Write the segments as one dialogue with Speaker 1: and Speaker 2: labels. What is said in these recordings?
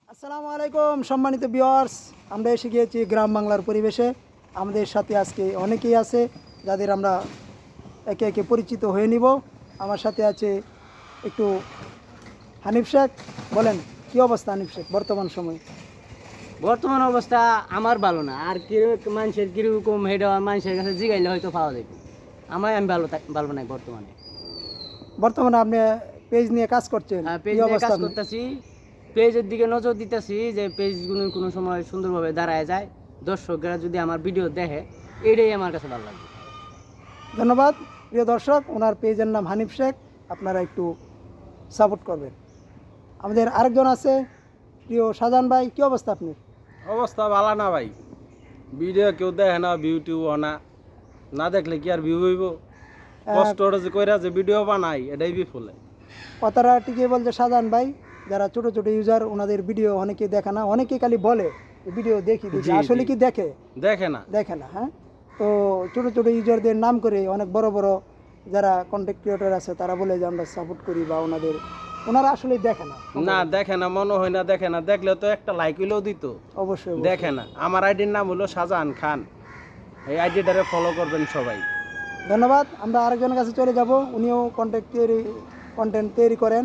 Speaker 1: আসসালামু আলাইকুম সম্মানিত ভিউয়ার্স, আমরা এসে গিয়েছি গ্রাম বাংলার পরিবেশে। আমাদের সাথে আজকে অনেকেই আছে যাদের আমরা একে একে পরিচিত হয়ে নিব। আমার সাথে আছে একটু হানিফ শেখ। বলেন কি অবস্থা হানিফ শেখ বর্তমান সময়?
Speaker 2: বর্তমান অবস্থা আমার ভালো না, আর কি মানুষের কিরকম হেডা মানুষের কাছে জিগাইলে হয়তো পাওয়া যাবে। আমি ভালো নাই বর্তমানে।
Speaker 1: বর্তমানে আপনি পেজ নিয়ে কাজ করছেন,
Speaker 2: পেজ
Speaker 1: কি
Speaker 2: নিয়ে
Speaker 1: অবস্থা
Speaker 2: কাজ
Speaker 1: আপনার?
Speaker 2: করতেছি, পেজের দিকে নজর দিতেছি যে পেজগুলো কোনো সময় সুন্দরভাবে দাঁড়ায় যায়, দর্শকরা যদি আমার ভিডিও দেখে, এটাই আমার কাছে ভালো লাগে।
Speaker 1: ধন্যবাদ প্রিয় দর্শক, ওনার পেজের নাম হানিফ শেখ, আপনারা একটু সাপোর্ট করবেন। আমাদের আরেকজন আছে প্রিয় শাহজাহান ভাই, কি অবস্থা আপনার?
Speaker 3: অবস্থা ভালো না ভাই, ভিডিও কেউ দেখে না, ভিউ টিউ না, না দেখলে কি আর ভিউ হইব? কষ্ট যে কইরা যে ভিডিও বানাই এটাই বিফলে।
Speaker 1: কথাটা ঠিকই বলছে শাহজাহান ভাই, যারা ছোট ছোট ইউজার ওনাদের ভিডিও অনেকে দেখে না, অনেকে খালি বলে ভিডিও দেখি দেখি,
Speaker 3: জি,
Speaker 1: আসলে
Speaker 3: জি।
Speaker 1: কি দেখে?
Speaker 3: দেখে না।
Speaker 1: দেখে না। হ্যাঁ, তো ছোট ছোট ইউজারদের নাম করে অনেক বড় বড় যারা কন্টেন্ট ক্রিয়েটর আছে তারা বলে যে আমরা সাপোর্ট করি, বা ওনারা আসলে দেখে না।
Speaker 3: না দেখে না, মনে হয় না দেখে না, দেখলে তো একটা লাইক হইলেও দিত।
Speaker 1: অবশ্যই
Speaker 3: দেখে না। আমার আইডির নাম হলো শাহজাহান খান, এই আইডিটারে ফলো করবেন সবাই।
Speaker 1: ধন্যবাদ। আমরা আরেকজনের কাছে চলে যাব, উনিও কন্টেন্ট তৈরি করেন,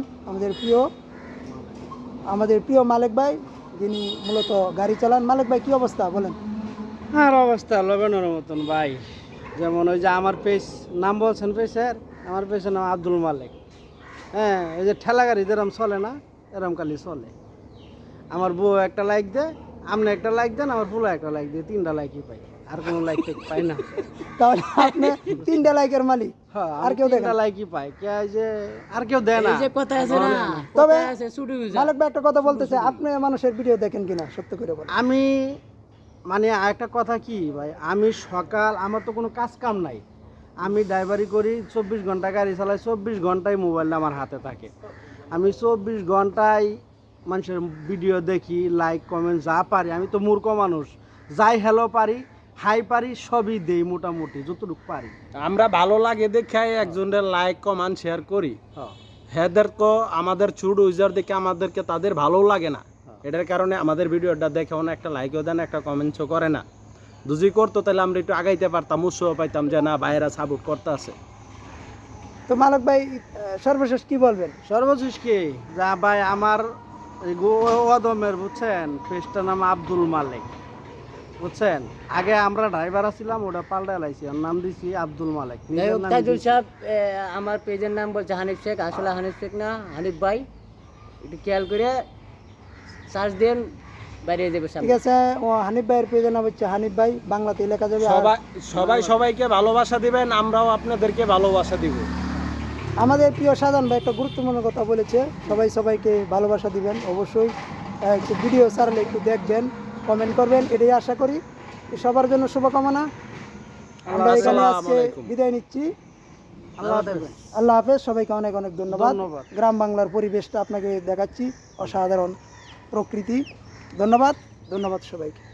Speaker 1: আমাদের প্রিয় মালিক ভাই, যিনি মূলত গাড়ি চালান। মালিক ভাই কি অবস্থা বলেন?
Speaker 4: আর অবস্থা লবেনের মতন ভাই। যেমন ওই যে আমার পেজ নাম বলছেন পেজের, আমার পেজের নাম আব্দুল মালিক। হ্যাঁ, এই যে ঠেলা গাড়ি যেরম চলে না, এরম খালি চলে। আমার বউ একটা লাইক দেয়, আপনি একটা লাইক দেন, আমার ফুলা একটা লাইক দিয়ে 3টা লাইকই পাই, আর কোনো লাইক পাই না।
Speaker 1: তাহলে আপনি 3টা লাইকের মালিক,
Speaker 4: হ্যাঁ,
Speaker 1: আর কেউ দেখে না?
Speaker 4: 3টা লাইকই পাই, কে যে আর কেউ দেয় না।
Speaker 2: এই যে কথা আছে না,
Speaker 1: তবে
Speaker 2: কথা আছে ছুটি হয়ে যায়।
Speaker 1: মালিক ভাই একটা কথা বলতেছে, আপনি মানুষের ভিডিও দেখেন কিনা সত্য করে বলেন।
Speaker 4: আমি মানে একটা কথা কি ভাই, আমি সকাল আমার তো কোনো কাজ কাম নাই, আমি ড্রাইভারি করি, 24 ঘন্টা গাড়ি চালাই, 24 ঘন্টায় মোবাইলটা আমার হাতে থাকে। আমি 24 ঘন্টায় মানুষের ভিডিও দেখি, লাইক কমেন্ট যা পারি। আমি তো মূর্খ মানুষ, যাই হ্যালো পারি, হাই পারি, সবই দেই মোটামুটি যতটুকু পারি।
Speaker 3: আমরা ভালো লাগে দেখে একজনের লাইক কমেন্ট শেয়ার করি।
Speaker 4: হ্যাঁ,
Speaker 3: হেদেরকে আমাদের ছোট ইউজার দেখে আমাদেরকে তাদের ভালো লাগে না, এটার কারণে আমাদের ভিডিওটা দেখে অনেক একটা লাইকও দেন, একটা কমেন্টসও করে না। যদি করতো তাহলে আমরা একটু আগাইতে পারতাম, উৎসাহ পাইতাম যে না ভাইয়েরা সাপোর্ট করতে আছে।
Speaker 1: তো মালিক ভাই সর্বশেষ কি বলবেন?
Speaker 4: সর্বশেষ কি যা ভাই, আমার এই ওয়াদমের বুঝছেন পেজটার নাম আব্দুল মালিক, বুঝছেন। আগে আমরা ড্রাইভার ছিলাম, ওটা পাল্টা লাইছি, ওর নাম দিছি আব্দুল মালিক।
Speaker 2: যাই
Speaker 4: নিজের
Speaker 2: হোক,
Speaker 4: নামই
Speaker 2: তাজুল
Speaker 4: দিছি।
Speaker 2: সাহেব, আমার পেজের নাম বলছে হানিফ শেখ, আসলে হানিফ শেখ না, হানিফ ভাই। একটু খেয়াল করে সার্চ দেন, বেরিয়ে যাবে
Speaker 1: ঠিক
Speaker 2: সামনে।
Speaker 1: আছে, ও হানিফ ভাইয়ের পেজের নাম হচ্ছে হানিফ ভাই, বাংলাতে লেখা যাবে। আর
Speaker 3: সবাই সবাইকে ভালোবাসা দিবেন, আমরাও আপনাদেরকে ভালোবাসা দিব।
Speaker 1: আমাদের প্রিয় শাহজাহান ভাই একটা গুরুত্বপূর্ণ কথা বলেছে, সবাই সবাইকে ভালোবাসা দিবেন অবশ্যই। একটু ভিডিও ছাড়লে একটু দেখবেন, কমেন্ট করবেন, এটাই আশা করি। সবার জন্য শুভকামনা। আমরা এখানে
Speaker 3: আসসালামু
Speaker 1: আজকে
Speaker 3: আলাইকুম।
Speaker 1: বিদায় নিচ্ছি।
Speaker 4: আল্লাহ হাফেজ।
Speaker 1: আল্লাহ হাফেজ, সবাইকে অনেক অনেক ধন্যবাদ।
Speaker 4: ধন্যবাদ।
Speaker 1: গ্রাম বাংলার পরিবেশটা আপনাকে দেখাচ্ছি, অসাধারণ প্রকৃতি। ধন্যবাদ, ধন্যবাদ সবাইকে।